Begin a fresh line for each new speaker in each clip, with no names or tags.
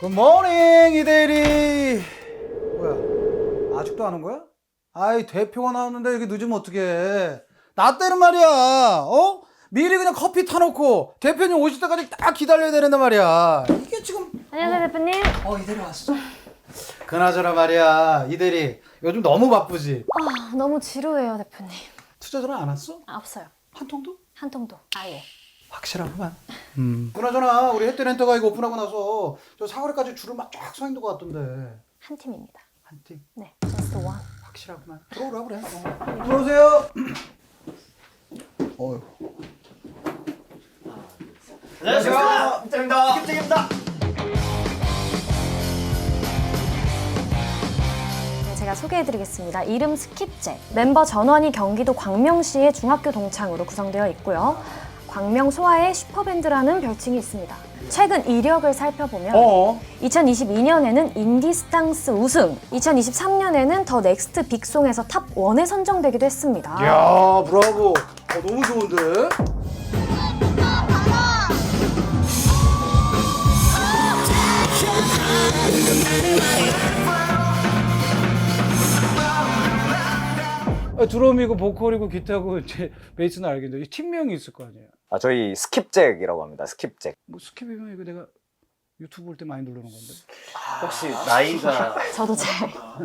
굿모닝 이대리. 뭐야 아직도 안 온 거야? 아이 대표가 나왔는데 이렇게 늦으면 어떡해. 나 때는 말이야 어? 미리 그냥 커피 타놓고 대표님 오실 때까지 딱 기다려야 되는데 말이야. 이게 지금
안녕하세요 대표님.
이대리 왔어. 그나저나 말이야 이대리 요즘 너무 바쁘지?
아 너무 지루해요 대표님.
투자 전화 안 왔어?
없어요.
한 통도?
한 통도 아예.
확실하구만. 그나저나 우리 햇띠렌터가 이거 오픈하고 나서 저 사거리까지 줄을 막 쫙 서 있는 것 같던데.
한 팀입니다.
한 팀?
네, just one.
확실하구만. 들어오라 그래. 들어오세요. 어휴.
안녕하세요. 입장입니다. 입장입니다.
네, 제가 소개해드리겠습니다. 이름 스킵잭. 멤버 전원이 경기도 광명시의 중학교 동창으로 구성되어 있고요. 광명 소아의 슈퍼밴드라는 별칭이 있습니다. 최근 이력을 살펴보면 2022년에는 인디스탕스 우승, 2023년에는 더 넥스트 빅송에서 탑 1에 선정되기도 했습니다.
이야, 브라보. 너무 좋은데? 드럼이고 보컬이고 기타고 이제 베이스는 알겠는데 팀명이 있을 거 아니에요?
저희 스킵잭이라고 합니다. 스킵잭.
뭐 스킵이면 이거 내가 유튜브 볼 때 많이 누르는 건데.
혹시 나이가
저도 잘.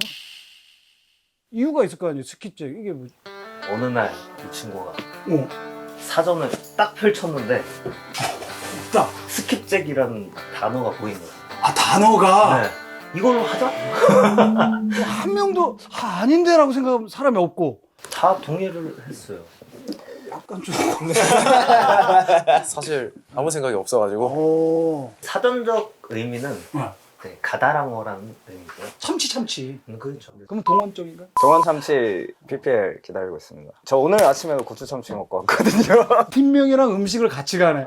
이유가 있을 거 아니에요? 스킵잭 이게 뭐?
어느 날 이 친구가
어.
사전을 딱 펼쳤는데
딱.
스킵잭이라는 단어가 보인 거예요.
아 단어가.
네. 이걸로 하자?
한 명도 아닌데라고 생각하면 사람이 없고.
다 동의를 했어요.
약간 좀.
사실 아무 생각이 없어가지고
오.
사전적 의미는
네.
네, 가다랑어라는 의미고요.
참치.
그렇죠.
그러면 동원적인가?
정원참치 PPL 기다리고 있습니다. 저 오늘 아침에도 고추참치 먹고 왔거든요.
팀명이랑 음식을 같이 가네.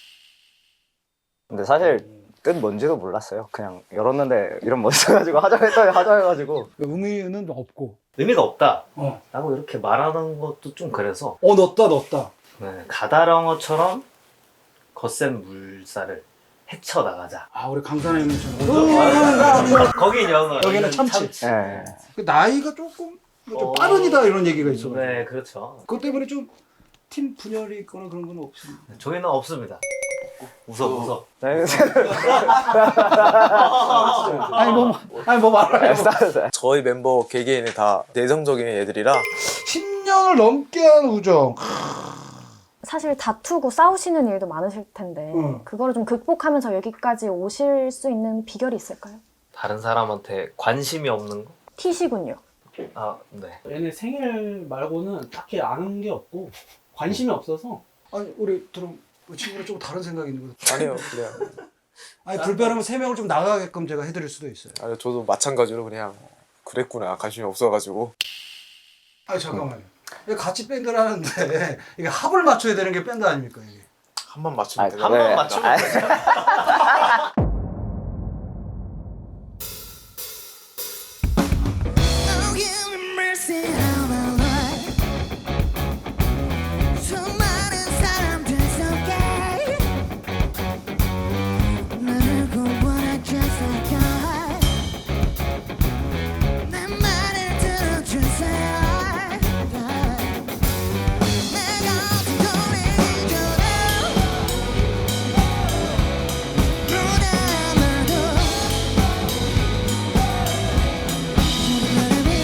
근데 사실 뜻 뭔지도 몰랐어요. 그냥 열었는데 이름 멋있어가지고 하자 했더니 하자 해가지고
의미는 없고.
의미가 없다
어.
라고 이렇게 말하는 것도 좀 그래서
넣었다.
네, 가다랑어처럼 거센 물살을 헤쳐나가자.
아 우리 강산에 있는 친구.
거긴 영어,
여기는 참치.
네.
그 나이가 조금 빠른이다 이런 얘기가 있어.
네, 그렇죠.
그것 때문에 좀 팀 분열이 있거나 그런 건 없습니다.
저희는 없습니다. 웃어. 네.
아니 뭐 말아요.
저희 멤버 개개인이 다 내성적인 애들이라
10년을 넘게 한 우정.
사실 다투고 싸우시는 일도 많으실 텐데 그거를 좀 극복하면서 여기까지 오실 수 있는 비결이 있을까요?
다른 사람한테 관심이 없는 거?
티시군요.
아, 네.
얘네 생일 말고는 딱히 아는 게 없고 관심이 없어서.
아니 우리 들어 친구랑 조금 다른 생각이 있는 거.
아니요 그냥
아니 불편하면 3명을 좀 나가게끔 제가 해드릴 수도 있어요.
아니, 저도 마찬가지로 그냥 그랬구나 관심이 없어가지고.
아니 잠깐만요. 이게 같이 밴드를 하는데 이게 합을 맞춰야 되는 게 밴드 아닙니까 이게?
한 번 맞추면 되나?
한 번 맞추면
Oh, give me mercy, how my life. 수많은 사람들 속에 나를 구원해 주세요. 내 말을 들어주세요. 내가 어떤 일이줘도 눈 감아도 나를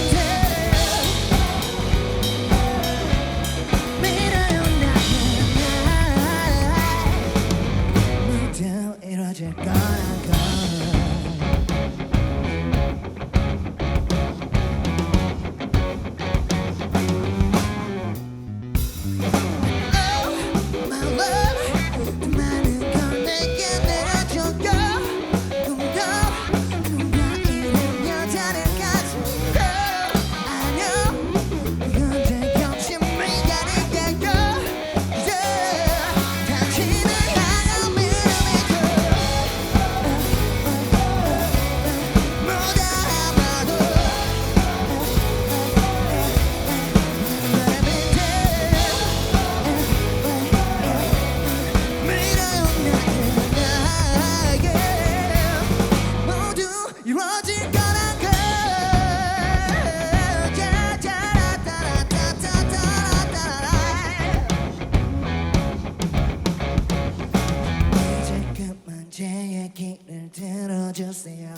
믿어요 나는 모두 이루어질 거라고. My love, 많은 걸 내게 내려줘요. 누가 이런 여자를 가지고 아니요 언제 역시 미안해요. 당신을 향한 믿음이죠. 제 얘기를 들어주세요.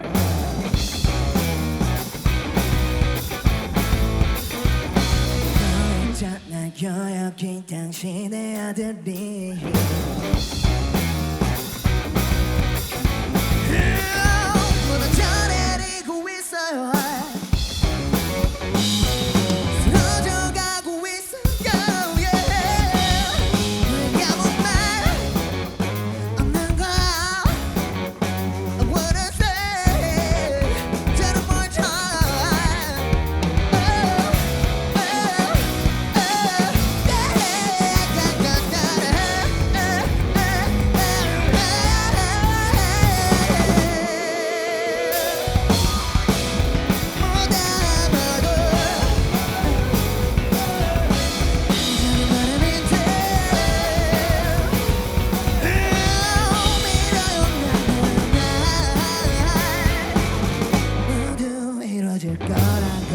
있잖아요 여기 당신의 아들이 무너져내리고 있어요. 쓰러져가고 있어요. 왜 아무 말 없는 거야. I wanna say just one more time. 모두 이루어질 거라고.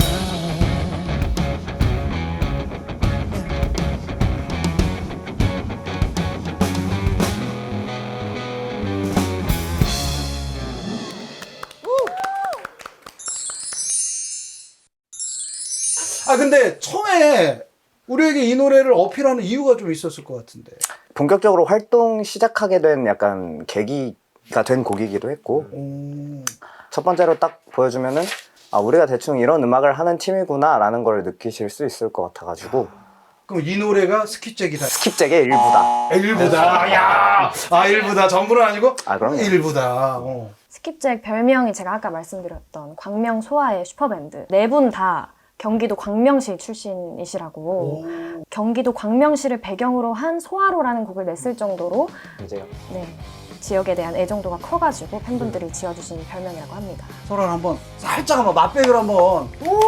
아 근데 처음에 우리에게 이 노래를 어필하는 이유가 좀 있었을 것 같은데.
본격적으로 활동 시작하게 된 약간 계기가 된 곡이기도 했고 첫 번째로 딱 보여주면은 아 우리가 대충 이런 음악을 하는 팀이구나 라는 걸 느끼실 수 있을 것 같아가지고
그럼 이 노래가 스킵잭이다.
스킵잭의 일부다.
일부다. 야, 아 일부다. 전부는 아니고.
아, 그럼요.
일부다.
스킵잭 별명이 제가 아까 말씀드렸던 광명 소아의 슈퍼밴드. 네 분 다 경기도 광명시 출신이시라고. 경기도 광명시를 배경으로 한 소아로라는 곡을 냈을 정도로
이제요.
네, 지역에 대한 애정도가 커가지고 팬분들이 지어주신 별명이라고 합니다.
서로 한번 살짝 한번 맛배기로 한번.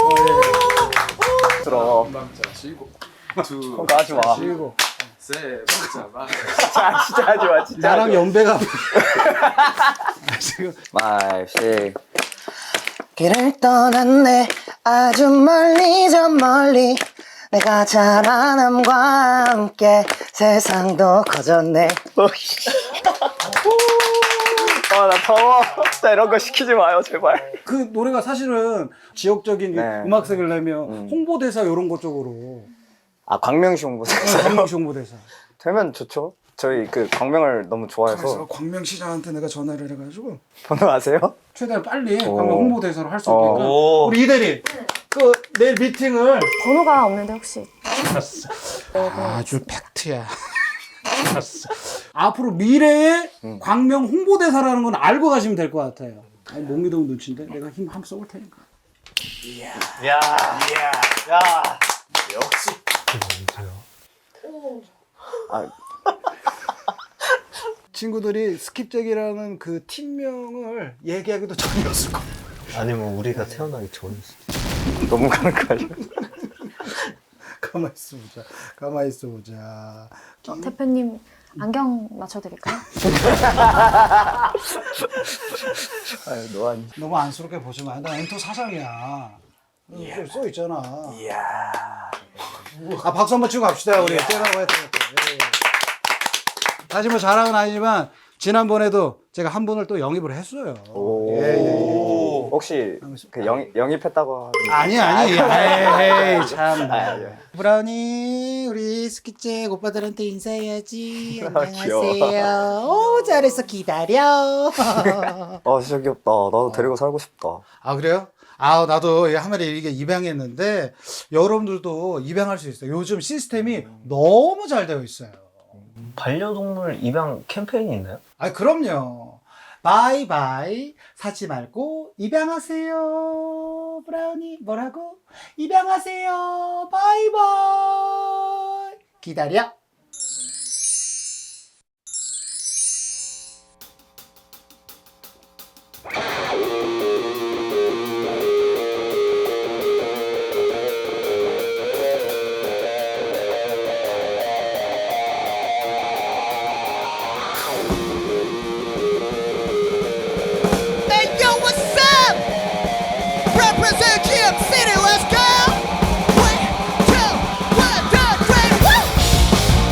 들어.
남자 시고 두
그거 하지 마.
그리고
세 번째 만
진짜 하지 마. 진짜
나랑
하지 마.
연배가 지금
말씨 길을 떠났네 아주 멀리 저 멀리 내가 자라남과 함께 세상도 커졌네 나 더워 진짜 이런 거 시키지 마요 제발
그 노래가 사실은 지역적인
네.
음악색을 내면 홍보대사 이런 것 쪽으로
아 광명시 홍보대사
광명시 홍보대사.
되면 좋죠 저희 그 광명을 너무
그래서
좋아해서
광명시장한테 내가 전화를 해가지고
번호 아세요?
최대한 빨리
오.
광명 홍보대사로 할 수
어.
있게끔 우리 이대리 그 내일 미팅을
번호가 없는데 혹시
아주 팩트야. 앞으로 미래의 광명 홍보대사라는 건 알고 가시면 될 것 같아요. 아니, 못 믿으면 눈치인데 내가 힘 한번 써볼 테니까.
야 역시 아,
친구들이 스킵잭이라는 그 팀명을 얘기하기도 전이었을 거야.
아니면 우리가 태어나기 전이었어.
너무 가는 거 아니야?
가만히 있어보자. 가만히 있어보자.
대표님 안경 맞춰드릴까요?
아유 노안
너무 안쓰럽게 보지 마. 나 엔터 사장이야. 써 있잖아. 아 박수 한번 치고 갑시다. 우리 떼라고 했던 것. 사실 뭐 자랑은 아니지만 지난번에도 제가 한 분을 또 영입을 했어요. 예.
혹시 그 영입했다고
아니 에이 참.
예.
브라우니 우리 스키잭 오빠들한테 인사해야지.
귀여워.
안녕하세요. 오 잘했어 기다려.
아 진짜 귀엽다 나도 데리고 살고 싶다
아 그래요? 아 나도 한 마리 이게 입양했는데 여러분들도 입양할 수 있어요. 요즘 시스템이 너무 잘 되어 있어요.
반려동물 입양 캠페인이 있나요?
아 그럼요. 바이바이 사지 말고 입양하세요. 브라우니 뭐라고? 입양하세요. 바이바이. 기다려.
Hey yo, what's up? Represent Kim City, let's go. 1, 2, 1, 2, 3, woo!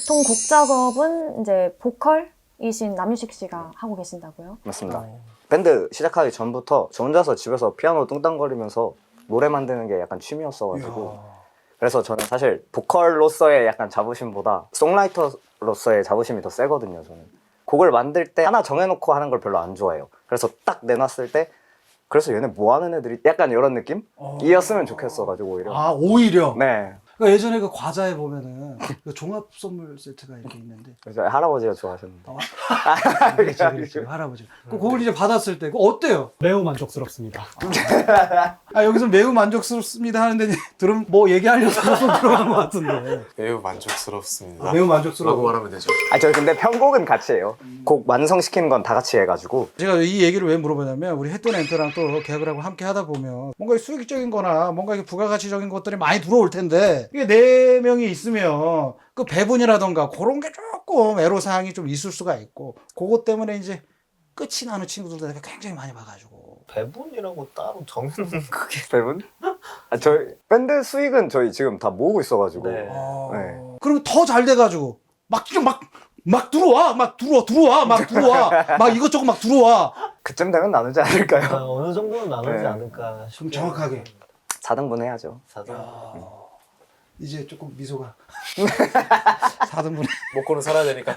보통 곡 작업은 이제 보컬이신 남유식 씨가 하고 계신다고요?
맞습니다. 밴드 시작하기 전부터 저 혼자서 집에서 피아노 뚱땅거리면서 노래 만드는 게 약간 취미였어가지고 그래서 저는 사실 보컬로서의 약간 자부심보다 송라이터로서의 자부심이 더 세거든요. 저는 곡을 만들 때 하나 정해놓고 하는 걸 별로 안 좋아해요. 그래서 딱 내놨을 때 그래서 얘네 뭐 하는 애들이 약간 이런 느낌? 이었으면 좋겠어가지고 오히려.
아, 오히려.
네.
그러니까 예전에 그 과자에 보면은 그 종합 선물 세트가 이렇게 있는데.
그래서 할아버지가 좋아하셨는데.
그렇지, 할아버지. 그걸 이제 받았을 때, 그거 어때요?
매우 만족스럽습니다.
아, 여기서 매우 만족스럽습니다 하는데, 들으면 뭐 얘기하려고 좀 들어간 것 같은데.
매우 만족스럽습니다.
매우 만족스러워.
라고 말하면 되죠.
저 근데 편곡은 같이 해요. 곡 완성시키는 건 다 같이 해가지고.
제가 이 얘기를 왜 물어보냐면, 우리 햇돈 엔터랑 또 계약을 하고 함께 하다 보면, 뭔가 수익적인 거나 뭔가 이게 부가가치적인 것들이 많이 들어올 텐데, 이게 4명이 있으면, 그 배분이라던가 그런 게 조금 애로사항이 좀 있을 수가 있고, 그것 때문에 이제 끝이 나는 친구들도 내가 굉장히 많이 봐가지고.
배분이라고 따로 정해놓는 그게.
배분? 저희 밴드 수익은 저희 지금 다 모으고 있어가지고.
네.
네.
그러면 더 잘 돼가지고 막 들어와 막 이것저것 막 들어와.
그쯤 되면 나누지 않을까요?
어느 정도는 나누지
네.
않을까
좀
싶어요.
정확하게
4등분 해야죠.
4등.
이제 조금 미소가 4등분에
먹고는 살아야 되니까.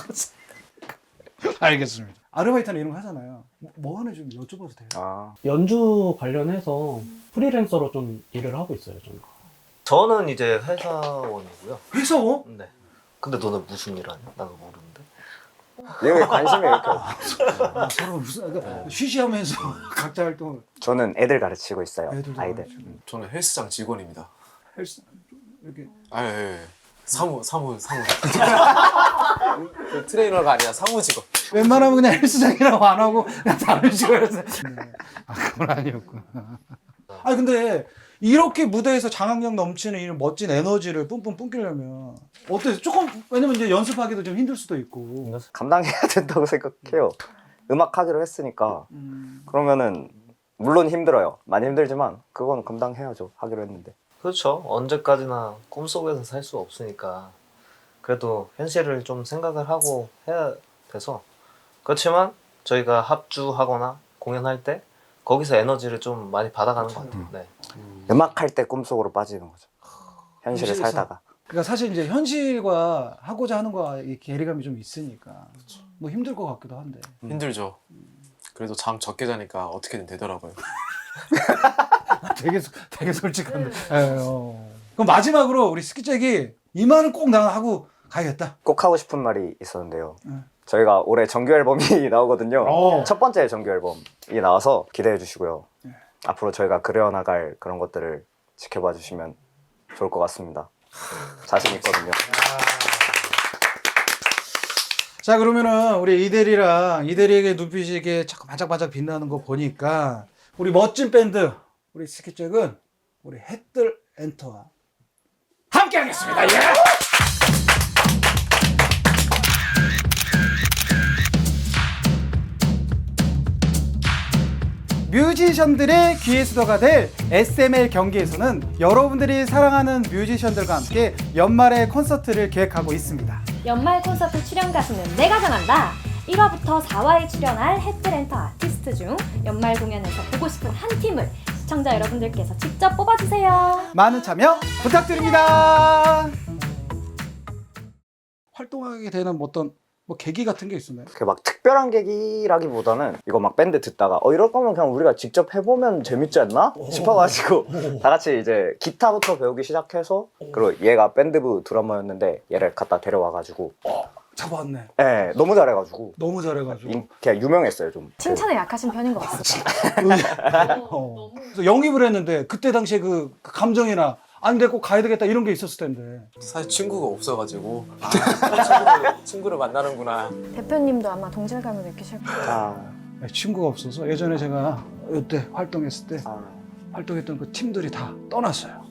알겠습니다. 아르바이트는 이런 거 하잖아요. 뭐 하는지 좀 여쭤봐도 돼요?
아,
연주 관련해서 프리랜서로 좀 일을 하고 있어요, 저는.
저는 이제 회사원이고요.
회사원?
네. 근데 너는 무슨 일 하냐? 나도 모르는데.
이거에 관심이 이렇게 없어요.
서로 무슨 그러니까 쉬쉬하면서 각자 활동을.
저는 애들 가르치고 있어요.
애들도
아이들.
가르치고.
저는 헬스장 직원입니다.
헬스 이렇게
아, 예. 사무. 그 트레이너가 아니라 사무 직원.
웬만하면 그냥 헬스장이라고 안 하고 그냥 다른 식으로 해서. 아, 그건 아니었구나. 아니 근데 이렇게 무대에서 장악력 넘치는 이 멋진 에너지를 뿜뿜 뿜기려면 어때요? 조금 왜냐면 이제 연습하기도 좀 힘들 수도 있고.
감당해야 된다고 생각해요. 음악 하기로 했으니까. 그러면은 물론 힘들어요. 많이 힘들지만 그건 감당해야죠. 하기로 했는데.
그렇죠. 언제까지나 꿈속에서 살 수 없으니까 그래도 현실을 좀 생각을 하고 해야 돼서 그렇지만 저희가 합주하거나 공연할 때 거기서 에너지를 좀 많이 받아가는 것 같아요. 네.
음악 할 때 꿈속으로 빠지는 거죠. 현실을
현실에서.
살다가.
그러니까 사실 이제 현실과 하고자 하는 거와 이 괴리감이 좀 있으니까 뭐 힘들 것 같기도 한데.
힘들죠. 그래도 잠 적게 자니까 어떻게든 되더라고요.
되게 솔직한데. 그럼 마지막으로 우리 스키잭이 이 말은 꼭 나 하고 가야겠다.
꼭 하고 싶은 말이 있었는데요.
응.
저희가 올해 정규 앨범이 나오거든요.
오.
첫 번째 정규 앨범이 나와서 기대해 주시고요. 앞으로 저희가 그려나갈 그런 것들을 지켜봐 주시면 좋을 것 같습니다. 자신 있거든요.
자, 그러면은 우리 이대리에게 눈빛이 이게 자꾸 반짝반짝 빛나는 거 보니까 우리 멋진 밴드 우리 스키잭은 우리 햇들 엔터와 함께 하겠습니다. 예! 뮤지션들의 귀의 수도가 될 SML 경기에서는 여러분들이 사랑하는 뮤지션들과 함께 연말의 콘서트를 계획하고 있습니다.
연말 콘서트 출연 가수는 내가 정한다. 1화부터 4화에 출연할 햇들엔터 아티스트 중 연말 공연에서 보고 싶은 한 팀을 시청자 여러분들께서 직접 뽑아주세요.
많은 참여 부탁드립니다. 활동하게 되는 어떤 뭐 계기 같은 게 있었나요?
그게 막 특별한 계기라기보다는 이거 막 밴드 듣다가 이럴 거면 그냥 우리가 직접 해보면 재밌지 않나? 싶어가지고 다 같이 이제 기타부터 배우기 시작해서 그리고 얘가 밴드부 드러머였는데 얘를 갖다 데려와가지고
잡아왔네.
네, 너무 잘해가지고
너무 잘해가지고.
그냥 유명했어요 좀.
칭찬에 약하신 편인 것 같습니다.
그래서 영입을 했는데 그때 당시에 그 감정이나 아니 내가 꼭 가야 되겠다 이런 게 있었을 텐데.
사실 친구가 없어가지고 친구를 만나는구나.
대표님도 아마 동질감을 느끼실 거예요.
아,
친구가 없어서 예전에 제가 이때 활동했을 때
아.
활동했던 그 팀들이 다 떠났어요.